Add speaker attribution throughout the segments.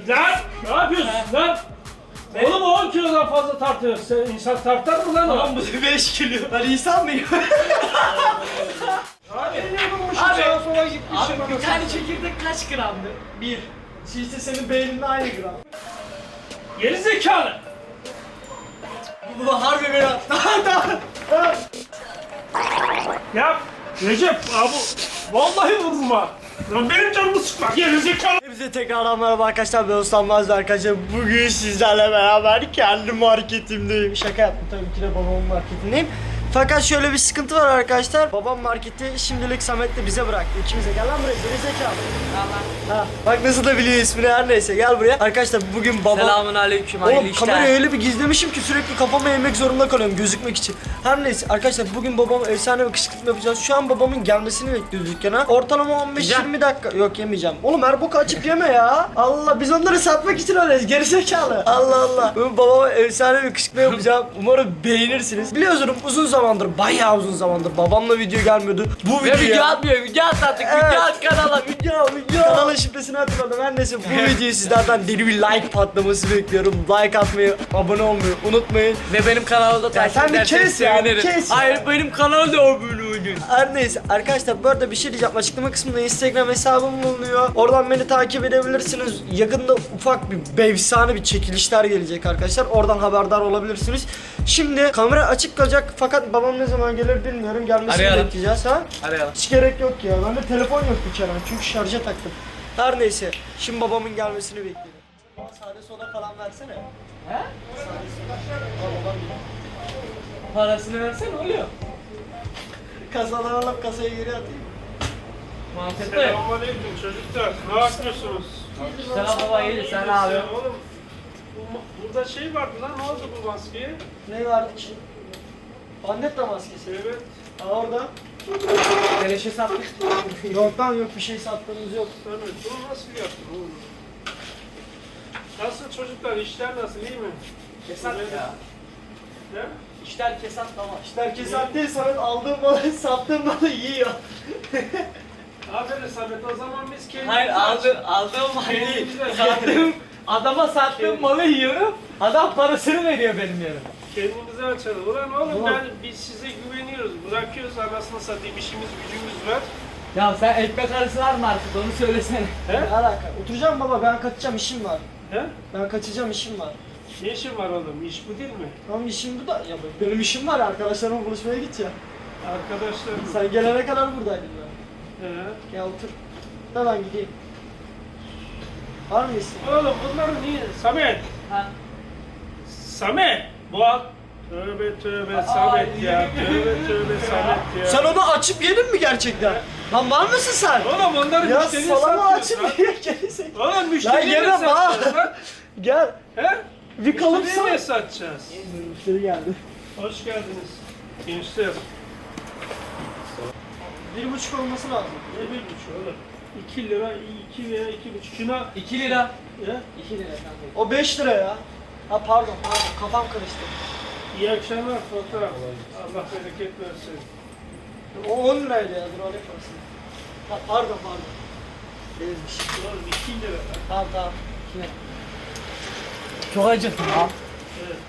Speaker 1: Lan ne yapıyorsun lan? Oğlum 10 kilodan fazla tartıyor. Sen insan tartar mı lan o?
Speaker 2: Tamam bu 5 kilo. Ben insan mıyım?
Speaker 1: Abi
Speaker 2: Abi,
Speaker 1: sağa sola gitmişim.
Speaker 2: Abi bir tane çekirdek kaç gramdı? 1. İşte senin beyninde aynı gram.
Speaker 1: Geri zekalı.
Speaker 2: Bu harbi biraz. Daha.
Speaker 1: Ya Recep abi vallahi vururum ha. Lan benim canımı sıkma. Geri zekalı.
Speaker 2: Hepinize tekrardan merhaba arkadaşlar, ben Osman arkadaşlar. Bugün sizlerle beraber kendi marketimdeyim. Şaka yaptım, tabii ki de babamın marketindeyim. Fakat şöyle bir sıkıntı var arkadaşlar. Babam marketi şimdilik Samet'le bize bıraktı. İkimize gel lan buraya, geri zekalı. Ha, bak nasıl da biliyor ismini, her neyse gel buraya. Arkadaşlar bugün babam...
Speaker 3: Selamünaleyküm, hayırlı
Speaker 2: Oğlum
Speaker 3: işler.
Speaker 2: kamerayı öyle bir gizlemişim ki sürekli kafama eğmek zorunda kalıyorum gözükmek için. Her neyse arkadaşlar, bugün babam efsane bir kışkırtma yapacağız. Şu an babamın gelmesini bekliyoruz dükkana. Ortalama 15-20 dakika. Yok yemeyeceğim. Oğlum her boku açıp yeme ya. Allah, biz onları satmak için öyleyiz gerizekalı. Allah Allah. Bugün babama efsane bir kışkırtma yapacağım. Umarım beğenirsiniz. Biliyorsunuz uzun zamandır, bayağı uzun zamandır babamla video gelmiyordu. Bu
Speaker 3: Ve video
Speaker 2: video
Speaker 3: atmıyor, video at artık,
Speaker 2: Evet.
Speaker 3: video at kanala.
Speaker 2: Video. Kanalın şifresini hatırladım. Her neyse bu videoyu sizlerden deli bir like patlaması bekliyorum. Like atmayı, abone olmayı unutmayın.
Speaker 3: Ve benim kanalda takip
Speaker 2: sen bir
Speaker 3: ederseniz
Speaker 2: kes ya,
Speaker 3: sevinirim.
Speaker 2: kes ya.
Speaker 3: Hayır, benim kanalda abone olun.
Speaker 2: Her neyse arkadaşlar, bu arada bir şey diyeceğim. Açıklama kısmında Instagram hesabım bulunuyor. Oradan beni takip edebilirsiniz. Yakında ufak bir efsane bir çekilişler gelecek arkadaşlar. Oradan haberdar olabilirsiniz. Şimdi kamera açık kalacak fakat babam ne zaman gelir bilmiyorum. Gelmesini
Speaker 3: Arayalım.
Speaker 2: bekleyeceğiz ha.
Speaker 3: Arayalım.
Speaker 2: Hiç gerek yok ya. Bende telefon yok bir kere çünkü şarja taktım. Her neyse. Şimdi babamın gelmesini bekliyorum. Sade soda falan versene.
Speaker 3: He?
Speaker 2: Sade soda. Al babam geliyor.
Speaker 3: Parasını versen oluyor.
Speaker 2: Kasadan alıp kasaya geri atayım.
Speaker 3: Mantıklı.
Speaker 1: Selamünaleyküm çocuklar. Ne yapıyorsunuz?
Speaker 3: Selam baba, iyi, sen ne yapıyorsun?
Speaker 1: Oğlum burada şey vardı lan, ne oldu bu maskeye?
Speaker 2: Ne vardı ki? Bandetta maskesi.
Speaker 1: Evet.
Speaker 2: Aa orada.
Speaker 3: Beleşe sattık.
Speaker 2: Yok lan, yok bir şey sattığımız yok.
Speaker 1: Evet, bunu nasıl yaptın oğlum? Nasıl çocuklar, işler nasıl, iyi mi?
Speaker 3: Kesat ya.
Speaker 1: Ne?
Speaker 3: İşler kesat baba.
Speaker 2: İşte kesat değil, Samet aldığım malı sattığım malı yiyor.
Speaker 1: Aferin Samet, o zaman biz kendimiz
Speaker 3: Hayır, aldığım malı değil.
Speaker 1: Kendimize-
Speaker 3: Sattığım, adama sattığım malı yiyorum. Adam parasını veriyor benim yerime.
Speaker 1: Kendimize açalım. Ulan oğlum
Speaker 2: Ulan.
Speaker 1: biz size güveniyoruz. Bırakıyoruz anasını satayım, işimiz gücümüz var.
Speaker 3: Ya sen ekmek arası var mı artık, onu söylesene.
Speaker 1: He?
Speaker 2: Ne alaka? Oturacağım baba, ben kaçacağım, işim var.
Speaker 1: He?
Speaker 2: Ben kaçacağım, işim var.
Speaker 1: Ne işin var oğlum? İş bu değil mi?
Speaker 2: Tamam, işim bu da. Ya benim işim var, arkadaşlarımla buluşmaya gideceğim.
Speaker 1: Arkadaşlar.
Speaker 2: Sen gelene kadar buradaydım ben.
Speaker 1: He?
Speaker 2: Gel otur. Da ben gideyim. Var mı isteğin?
Speaker 1: Oğlum bunları niye? Samet!
Speaker 3: Ha.
Speaker 1: Samet! Bu al. Tövbe tövbe Samet ya. Tövbe tövbe Samet ya.
Speaker 2: Sen onu açıp yedin mi gerçekten? Lan var mısın sen?
Speaker 1: Oğlum onları
Speaker 2: Ya
Speaker 1: müşteriye
Speaker 2: salama
Speaker 1: satıyorsun
Speaker 2: açıp
Speaker 1: lan.
Speaker 2: ye gerizek.
Speaker 1: Oğlum müşteriye
Speaker 2: Lan
Speaker 1: mi
Speaker 2: yemem ha.
Speaker 1: satacağız lan?
Speaker 2: Gel.
Speaker 1: He?
Speaker 2: Bir kalıp
Speaker 1: Müşteriye mi
Speaker 2: sat.
Speaker 1: satacağız?
Speaker 2: Müşteri geldi.
Speaker 1: Hoş geldiniz. Gençler.
Speaker 2: 1,5 olması lazım.
Speaker 1: Ne bir buçuk oğlum? 2 lira, 2 veya 2,5. Şuna
Speaker 3: 2 lira.
Speaker 1: ya.
Speaker 3: 2 lira kanka.
Speaker 2: O 5 lira ya. Ha pardon, kafam karıştı.
Speaker 1: İyi akşamlar fotoğraf. Allah bereket versin.
Speaker 2: O 10 liraydı ya, dur alayım parasını. Ha pardon. Ezmiş.
Speaker 1: Oğlum 2 lira.
Speaker 2: Tamam.
Speaker 3: Kime? Çok acıktım ha.
Speaker 1: Evet.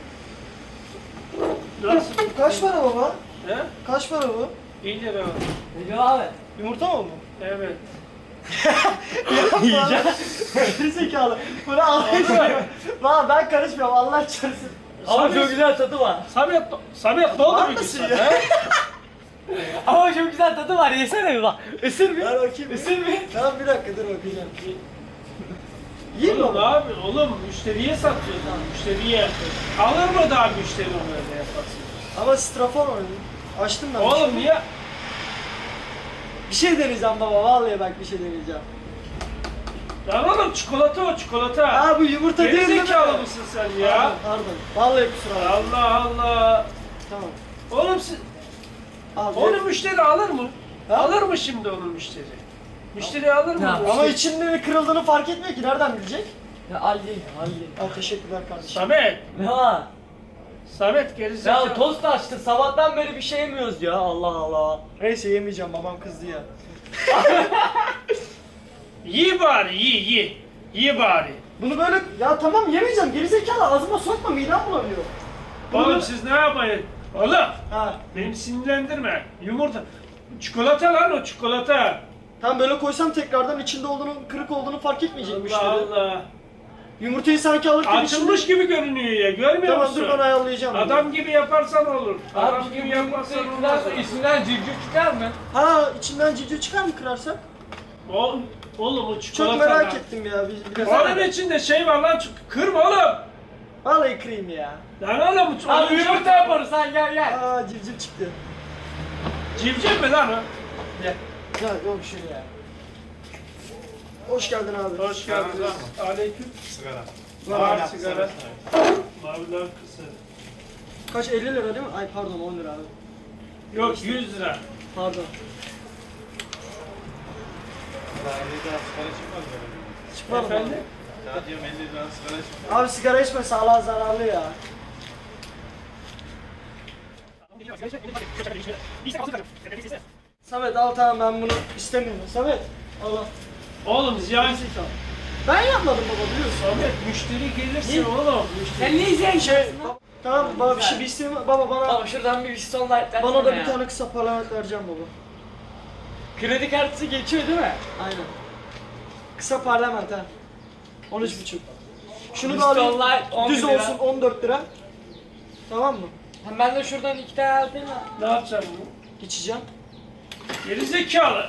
Speaker 1: Nasıl?
Speaker 2: Bu kaç para baba?
Speaker 1: He?
Speaker 2: Kaç para bu?
Speaker 1: 1 lira.
Speaker 3: Ne diyor abi?
Speaker 2: Yumurta mı bu?
Speaker 1: Evet.
Speaker 2: Yiyeceğim. Zekalı. Bunu alayım. Valla ben karışmıyorum, Allah çarpsın.
Speaker 3: Ama çok güzel tadı var.
Speaker 1: Samet ne oldu
Speaker 2: Var
Speaker 1: bu
Speaker 2: mısın
Speaker 1: güzel?
Speaker 2: ya?
Speaker 1: He?
Speaker 3: Ama çok güzel tadı var, yesene bir bak. Isır bir.
Speaker 2: Ver bakayım.
Speaker 3: Isır bir.
Speaker 2: Tamam bir dakika, dur bakacağım. Yiyeyim mi
Speaker 1: Oğlum ne
Speaker 2: baba?
Speaker 1: yapıyorsun? Oğlum müşteriye satıyorsun. Müşteriye. Alır mı daha müşteri onu öyle yaparsın?
Speaker 2: Ama strafor oynadım. Açtım ben.
Speaker 1: Oğlum niye?
Speaker 2: Bir şey deneyeceğim baba, vallahi bak bir şey deneyeceğim.
Speaker 1: Lan oğlum çikolata o çikolata.
Speaker 2: Aa bu yumurta değil mi?
Speaker 1: Gerizekalı mısın sen ya?
Speaker 2: Pardon. Vallahi kusura bakma.
Speaker 1: Allah Allah.
Speaker 2: Tamam.
Speaker 1: Oğlum siz...
Speaker 2: Al.
Speaker 1: Onu müşteri alır mı?
Speaker 2: Ha?
Speaker 1: Alır mı şimdi onu müşteri? Müşteri alır mı?
Speaker 3: Ya,
Speaker 1: onu?
Speaker 2: Ama içinde kırıldığını fark etmiyor ki, nereden bilecek?
Speaker 3: Ya al ye, al ye.
Speaker 2: Al teşekkürler kardeşim.
Speaker 1: Samet.
Speaker 3: Ne var?
Speaker 1: Samet gerizekalı.
Speaker 3: Ya tost açtı, sabahtan beri bir şey yemiyoruz ya, Allah Allah.
Speaker 2: Neyse yemeyeceğim, babam kızdı ya.
Speaker 1: Yi bari yi. Yi bari.
Speaker 2: Bunu böyle ya tamam yemeyeceğim gerizekalı ağzıma sokma midem bulanıyor.
Speaker 1: Oğlum siz ne yapmayın? Oğlum
Speaker 2: Ha.
Speaker 1: beni sinirlendirme. Yumurta. Çikolata lan o çikolata.
Speaker 2: Tam böyle koysam tekrardan içinde olduğunu kırık olduğunu fark etmeyecek müşteri.
Speaker 1: Allah Allah.
Speaker 2: Yumurtayı sanki alırken
Speaker 1: Açılmış gibi görünüyor ya. Görmüyor
Speaker 2: Tamam
Speaker 1: musun?
Speaker 2: dur ben ayarlayacağım.
Speaker 1: Adam gibi yaparsan olur. Adam
Speaker 3: Abi
Speaker 1: gibi yaparsan olmaz.
Speaker 3: İçinden civciv çıkar mı?
Speaker 2: Ha içinden civciv çıkar mı kırarsak?
Speaker 1: Oğlum o çikolata.
Speaker 2: Çok merak
Speaker 1: lan.
Speaker 2: ettim ya. Biraz
Speaker 1: Onun içinde şey var lan. Kırma oğlum.
Speaker 2: Vallahi kırayım ya.
Speaker 1: Lan oğlum.
Speaker 3: Abi yumurta yaparız sen gel.
Speaker 2: Aa civciv çıktı.
Speaker 1: Civciv mi lan o?
Speaker 3: Gel.
Speaker 2: Ya yok şuraya. Hoş geldin abi.
Speaker 1: Hoş geldiniz. Aleyküm.
Speaker 4: Sigara.
Speaker 1: Var sigara. Maviler kısır.
Speaker 2: Kaç 50 lira değil mi? Ay pardon 10 lira abi.
Speaker 1: Yok 100 lira.
Speaker 2: Pardon.
Speaker 4: Daha 50 lira sigara çıkmaz böyle.
Speaker 2: Çıkmadım
Speaker 1: Efendim?
Speaker 2: abi.
Speaker 4: Ya diyorum 50 lira sigara çıkmaz.
Speaker 2: Abi sigara içme sağlığa zararlı ya. Samet al tamam ben bunu istemiyorum. Samet al al.
Speaker 1: Oğlum ziyan.
Speaker 2: Ben yapmadım baba biliyorsun.
Speaker 1: Ahmet müşteri gelirse oğlum.
Speaker 3: Sen ne izleyen
Speaker 2: Şey tamam baba bir isteğim baba bana
Speaker 3: Baba şuradan bir Stone Light versene
Speaker 2: bana da
Speaker 3: ya.
Speaker 2: bir tane kısa parlament vereceğim baba.
Speaker 3: Kredi kartısı geçiyor değil mi?
Speaker 2: Aynen. Kısa parlament ha. 13,5. Şunu da
Speaker 3: Stone
Speaker 2: alayım.
Speaker 3: Light 10
Speaker 2: Düz
Speaker 3: lira.
Speaker 2: olsun 14 lira. Tamam mı?
Speaker 3: Hem ben de şuradan 2 tane alayım mı?
Speaker 1: Ne yapacaksın bunu?
Speaker 2: İçeceğim.
Speaker 1: Geri zekalı.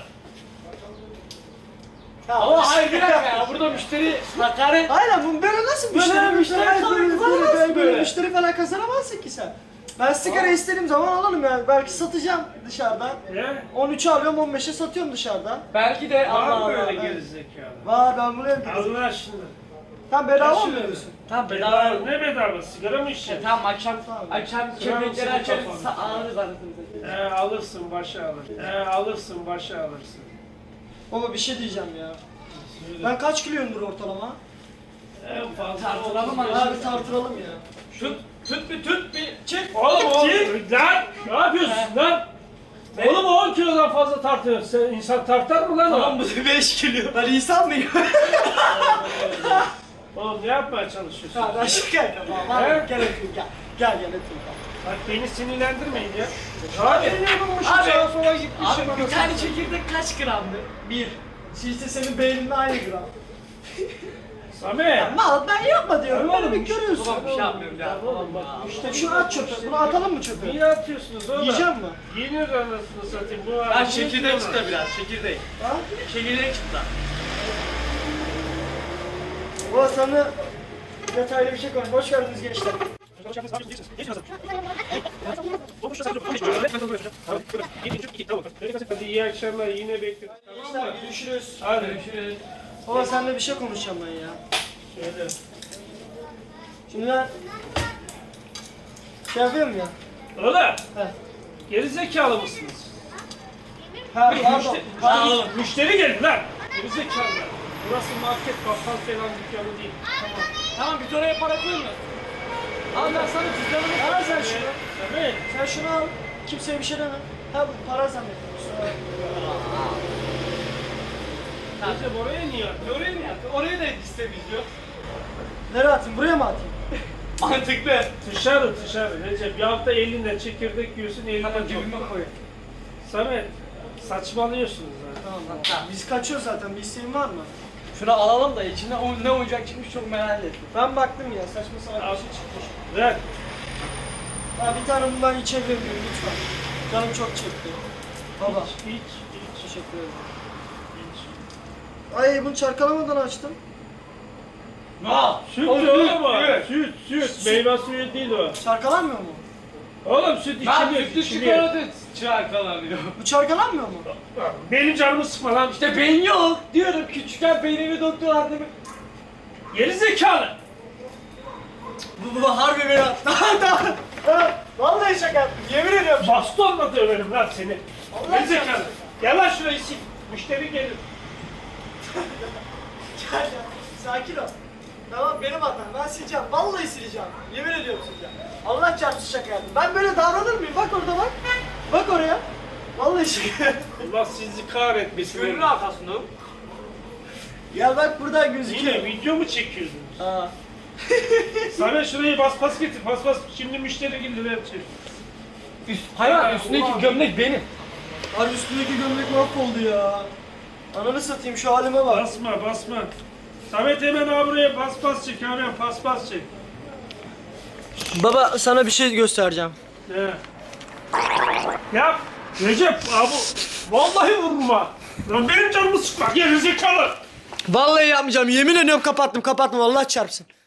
Speaker 3: Ama hayır bir dakika ya burada müşteri hakaret.
Speaker 2: Aynen bu böyle nasıl
Speaker 3: Böyle
Speaker 2: müşteri
Speaker 3: müşteri kazanamazsın
Speaker 2: böyle
Speaker 3: böyle.
Speaker 2: müşteri falan kazanamazsın ki sen. Ben sigara istediğim zaman alırım yani. Belki satacağım dışarıda.
Speaker 1: Ne?
Speaker 2: 13'e alıyorum 15'e satıyorum dışarıda.
Speaker 3: Belki de
Speaker 1: Var
Speaker 3: Allah
Speaker 1: mı
Speaker 3: Allah.
Speaker 1: böyle
Speaker 2: evet.
Speaker 1: geri zekalı?
Speaker 2: Var ben bunu yapıyorum.
Speaker 1: Allah aşkına.
Speaker 2: Tam bedava
Speaker 1: Kaç
Speaker 2: mı
Speaker 1: lira?
Speaker 2: diyorsun?
Speaker 3: Tamam
Speaker 1: Bedava
Speaker 3: bedava.
Speaker 1: ne bedava? Sigara mı içeceksin?
Speaker 3: Tamam akşam
Speaker 2: Tamam.
Speaker 3: köpekleri
Speaker 1: mısın
Speaker 3: açarız
Speaker 1: kafana?
Speaker 3: alırız anasını satayım.
Speaker 1: Alırsın başa alırsın. Alırsın başa alırsın.
Speaker 2: Baba bir şey diyeceğim ya. Ben kaç kiloyumdur ortalama?
Speaker 1: En fazla
Speaker 3: Tartılalım
Speaker 1: otuz
Speaker 3: abi.
Speaker 1: beş.
Speaker 2: Abi tartıralım ya.
Speaker 3: Tut bir çık.
Speaker 1: Oğlum lan ne yapıyorsun lan? Oğlum 10 kilodan fazla tartıyorsun. Sen insan tartar mı lan o?
Speaker 2: bu 5 kilo. Ben insan mıyım?
Speaker 1: Oğlum ne yapmaya çalışıyorsun?
Speaker 2: Ha ben şaka yapıyorum. Tamam,
Speaker 1: He?
Speaker 2: Gel öpeyim gel. Gel öpeyim.
Speaker 1: Bak beni sinirlendirmeyin ya. Abi.
Speaker 3: Abi,
Speaker 2: Sağa sola gitmişim.
Speaker 3: Abi bir tane çekirdek kaç gramdı?
Speaker 2: Bir. İşte senin beyninle aynı gram.
Speaker 1: Samet.
Speaker 2: Mal ben yapma diyorum.
Speaker 1: Tamam,
Speaker 2: Beni bir görüyorsun.
Speaker 3: Babam bir şey yapmıyorum ya.
Speaker 1: Oğlum bak işte
Speaker 2: Şunu at çöpe. Bunu atalım mı çöpe?
Speaker 1: niye atıyorsunuz oğlum?
Speaker 2: Yiyeceğim mi?
Speaker 1: Yenir anasını satayım. Bu
Speaker 3: Ben
Speaker 1: arada
Speaker 3: çekirdek
Speaker 1: yiyemez.
Speaker 3: çıktı biraz çekirdek.
Speaker 2: Ha?
Speaker 3: Çekirdek çıktı.
Speaker 2: Baba sana detaylı bir şey konuş. Hoş geldiniz gençler.
Speaker 1: Hadi iyi akşamlar yine bekleriz.
Speaker 2: Gençler görüşürüz.
Speaker 1: Hadi.
Speaker 3: Görüşürüz.
Speaker 2: Baba seninle bir şey konuşacağım ben ya.
Speaker 1: Şöyle.
Speaker 2: Şimdi ben şey yapıyorum ya.
Speaker 1: Oğlum
Speaker 2: He.
Speaker 1: gerizekalı mısınız?
Speaker 2: Ha pardon.
Speaker 1: Müşteri,
Speaker 2: Pardon.
Speaker 1: müşteri geldi lan. Gerizekalılar. Burası market, bakkal falan dükkanı değil.
Speaker 3: Tamam bir oraya para koyma. Al ben sana cüzdanımı
Speaker 2: Al sen şunu.
Speaker 1: Evet.
Speaker 2: Sen şunu al. Kimseye bir şey deme. Ha bu para zannettim.
Speaker 1: Recep oraya niye attın?
Speaker 3: Oraya mı yaptın? Oraya da istemiyor.
Speaker 2: Nereye atayım? Buraya mı atayım?
Speaker 3: Mantıklı.
Speaker 1: Dışarı. Recep bir hafta elinden çekirdek yiyorsun elinden
Speaker 3: Tamam
Speaker 1: çok.
Speaker 3: cebime koy.
Speaker 1: Samet saçmalıyorsunuz zaten.
Speaker 2: Tamam.
Speaker 3: Tamam.
Speaker 2: Biz kaçıyoruz zaten. Bir isteğin var mı?
Speaker 3: Şunu alalım da içinde ne oyuncak çıkmış çok merak ettim.
Speaker 2: Ben baktım ya. Saçma sapan
Speaker 1: Al.
Speaker 2: bir şey çıkmış.
Speaker 1: Ver.
Speaker 2: Ha bir tane bundan içebilir miyim lütfen? Canım çok çekti. Baba.
Speaker 1: İç.
Speaker 2: Teşekkür ederim. Ay bunu çarkalamadan açtım.
Speaker 3: Aa,
Speaker 1: Süt
Speaker 3: o
Speaker 1: oğlum o.
Speaker 3: süt.
Speaker 1: Süt. Meyve suyu değil o.
Speaker 2: Çarkalanmıyor mu?
Speaker 1: Oğlum süt
Speaker 3: Ben
Speaker 1: içiliyor.
Speaker 3: sütlü
Speaker 1: içiliyor.
Speaker 3: çikolata çarkalanıyor.
Speaker 2: Bu çarkalanmıyor mu?
Speaker 1: Benim canımı sıkma lan.
Speaker 3: İşte beyin yok diyorum küçükken beynimi doktor demek.
Speaker 1: Gerizekalı.
Speaker 3: Bu harbi beni attı.
Speaker 2: Vallahi şaka yaptım. Yemin ediyorum.
Speaker 1: Bastonla döverim lan seni.
Speaker 2: Allah
Speaker 1: Gerizekalı. Gel lan şurayı sil. Müşteri gelir.
Speaker 2: Gel ya. Sakin ol. Tamam benim hatam. Ben sileceğim. Vallahi sileceğim. Yemin ediyorum sileceğim. Allah çarpsın şaka yaptım. Ben böyle davranır mıyım? Bak orada bak. Bak oraya. Vallahi şaka yaptım.
Speaker 1: Allah sizi kahretmesin.
Speaker 3: Gönlün arkasında.
Speaker 2: Ya bak buradan gözüküyor.
Speaker 1: Yine video mu çekiyordun?
Speaker 2: Ha.
Speaker 1: Samet şurayı bas getir. Bas. Şimdi müşteri gelir her şey.
Speaker 3: Hayvan üstündeki gömlek benim.
Speaker 2: Abi üstündeki gömlek mahvoldu ya. Ananı satayım şu halime bak.
Speaker 1: Basma. Samet hemen abi buraya pas çek abi. Pas çek.
Speaker 2: Baba sana bir şey göstereceğim.
Speaker 1: Ne? Yap. Recep abi. Vallahi vurma. Lan benim canımı sıkma. Gerizekalı.
Speaker 2: Vallahi yapmayacağım. Yemin ediyorum kapattım. Allah çarpsın.